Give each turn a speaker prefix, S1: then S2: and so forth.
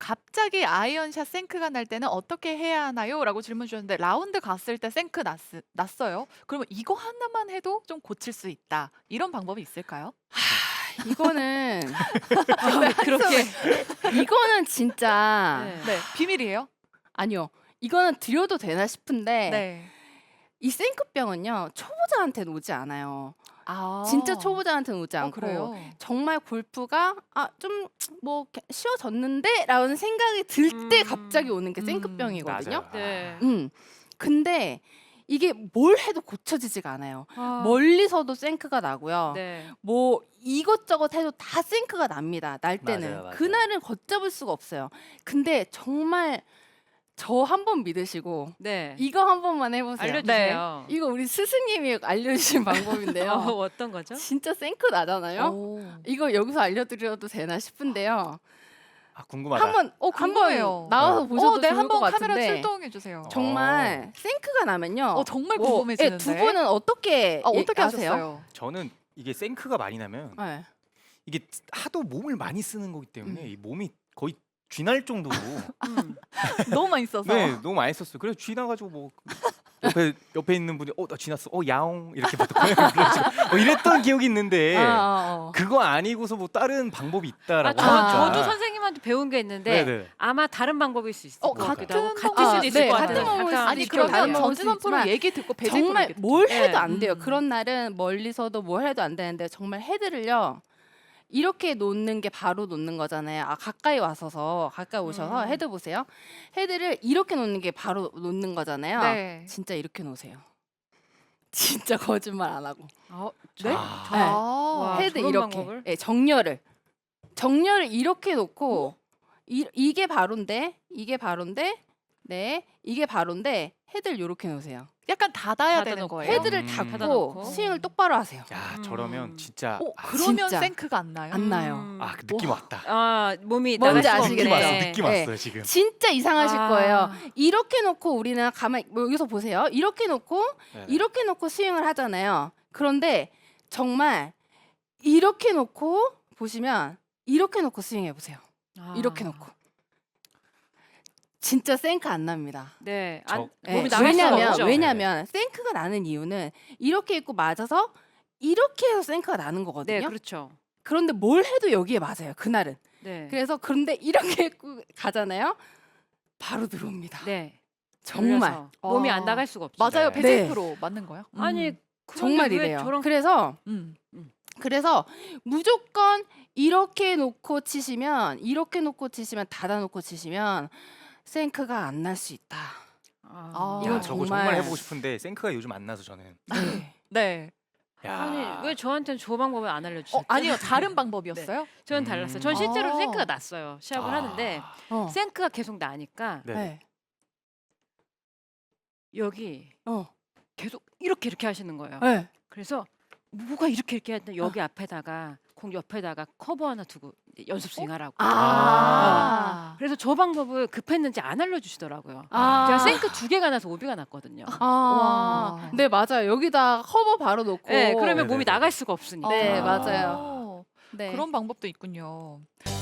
S1: 갑자기 아이언샷 생크가 날 때는 어떻게 해야 하나요? 라고 질문 주셨는데 라운드 갔을 때 생크 났어요. 그러면 이거 하나만 해도 좀 고칠 수 있다. 이런 방법이 있을까요?
S2: 이거는
S1: 그렇게
S2: 이거는 진짜
S3: 네.
S1: 네, 비밀이에요?
S2: 아니요. 이거는 드려도 되나 싶은데
S1: 네.
S2: 이 생크병은요 초보자한테는 오지 않아요.
S1: 아.
S2: 진짜 초보자한테는 오지 않고
S1: 그래요?
S2: 정말 골프가 좀 뭐 쉬워졌는데라는 생각이 들 때 갑자기 오는 게 생크병이거든요.
S4: 맞아요.
S3: 네.
S2: 근데 이게 뭘 해도 고쳐지지가 않아요. 멀리서도 생크가 나고요.
S3: 네.
S2: 뭐 이것저것 해도 다 생크가 납니다. 날 때는.
S4: 맞아요, 맞아요.
S2: 그날은 걷잡을 수가 없어요. 근데 정말 저 한 번 믿으시고
S3: 네.
S2: 이거 한 번만 해보세요.
S3: 알려주세요.
S2: 이거 우리 스승님이 알려주신 방법인데요.
S3: 어떤 거죠?
S2: 진짜 생크 나잖아요.
S1: 오.
S2: 이거 여기서 알려드려도 되나 싶은데요.
S4: 궁금하다.
S2: 한번
S1: 궁금해요.
S2: 나와서 보셔도
S1: 네,
S2: 좋을
S1: 한번
S2: 것
S1: 카메라
S2: 같은데
S1: 출동해 주세요.
S2: 정말 생크가 나면요.
S1: 정말
S2: 뭐,
S1: 궁금해지는데.
S2: 두 분은 어떻게
S1: 어떻게
S2: 아세요?
S1: 하셨어요?
S4: 저는 이게 생크가 많이 나면
S2: 네.
S4: 이게 하도 몸을 많이 쓰는 거기 때문에 이 몸이 거의 쥐날 정도로
S1: 너무 많이 써서.
S4: 네 너무 많이 썼어요. 그래서 쥐나가지고 뭐 옆에 있는 분이 나 쥐났어 야옹 이렇게 뭐 이랬던 기억이 있는데 그거 아니고서 뭐 다른 방법이 있다라고 하니까.
S3: 저도 선생님한테 배운 게 있는데
S4: 네네.
S3: 아마 다른 방법일 수 있을 것
S1: 같은
S3: 같기도 하고 같을
S1: 방법-
S3: 수도 있을
S2: 네,
S3: 것
S2: 같은
S3: 같아요.
S2: 방법일 수도
S1: 아니
S2: 있고
S1: 그러면
S2: 다른 방법일
S1: 전진원
S2: 수도
S1: 프로
S2: 있지만
S1: 얘기 듣고 배제
S2: 정말 뭘 해도
S3: 네.
S2: 안 돼요. 그런 날은 멀리서도 뭘 해도 안 되는데 정말 헤드를요. 이렇게 놓는 게 바로 놓는 거잖아요. 가까이 오셔서 헤드 보세요. 헤드를 이렇게 놓는 게 바로 놓는 거잖아요.
S1: 네.
S2: 진짜 이렇게 놓으세요. 진짜 거짓말 안 하고.
S1: 네?
S3: 와,
S2: 헤드
S3: 저런
S2: 이렇게.
S3: 방법을?
S2: 네, 정렬을 이렇게 놓고 이게 바로인데 이게 바로인데 헤드를 이렇게 놓으세요.
S1: 약간 닫아야 되는
S3: 닫아놓고.
S1: 거예요.
S2: 헤드를
S3: 닫아놓고.
S2: 닫고 스윙을 똑바로 하세요.
S4: 야 저러면 진짜
S1: 그러면
S2: 진짜.
S1: 생크가 안 나요?
S2: 안 나요.
S4: 그 느낌 왔다.
S3: 몸이
S2: 뭔지
S3: 나갈 수가
S2: 아시겠죠?
S3: 없네.
S4: 느낌
S2: 네.
S4: 왔어요 지금.
S2: 진짜 이상하실
S3: 아.
S2: 거예요. 이렇게 놓고 우리는 가만히 여기서 보세요. 이렇게 놓고
S4: 네네.
S2: 이렇게 놓고 스윙을 하잖아요. 그런데 정말 이렇게 놓고 보시면 이렇게 놓고 스윙해 보세요. 이렇게 놓고 진짜 생크 안 납니다.
S3: 네.
S2: 네,
S3: 몸이 나갈 수가 없죠.
S2: 왜냐면 생크가 나는 이유는 이렇게 있고 맞아서 이렇게 해서 생크가 나는 거거든요.
S3: 네, 그렇죠.
S2: 그런데 뭘 해도 여기에 맞아요. 그날은.
S3: 네.
S2: 그런데 이렇게 했고 가잖아요. 바로 들어옵니다.
S3: 네.
S2: 정말
S3: 그래서 몸이 안 나갈 수가 없죠.
S1: 맞아요.
S4: 네.
S1: 배제 프로 맞는 거예요?
S3: 아니
S2: 정말
S3: 그런데 왜
S2: 이래요.
S3: 저런
S2: 그래서 무조건 이렇게 놓고 치시면 닫아놓고 치시면 생크가 안 날 수 있다. 이건
S4: 저거
S2: 정말-
S4: 정말 해보고 싶은데 생크가 요즘 안 나서 저는.
S1: 네.
S4: 야.
S3: 아니 왜 저한테는 저 방법을 안 알려주셨죠?
S1: 아니요. 다른 방법이었어요?
S3: 저는 달랐어요. 전 실제로
S1: 아.
S3: 생크가 났어요. 시합을 하는데 생크가 계속 나니까
S4: 네.
S3: 여기
S2: 어.
S3: 계속 이렇게 하시는 거예요.
S2: 네.
S3: 그래서 뭐가 이렇게 하는데 여기 앞에다가 공 옆에다가 커버 하나 두고 이제 연습 스윙하라고. 그래서 저 방법을 급했는지 안 알려주시더라고요. 제가 생크 2개가 나서 오비가 났거든요.
S1: 와.
S2: 네, 맞아요. 여기다 커버 바로 놓고.
S3: 네, 그러면
S4: 네네네.
S3: 몸이 나갈 수가 없으니까.
S2: 네,
S1: 아.
S2: 맞아요. 네.
S1: 그런 방법도 있군요.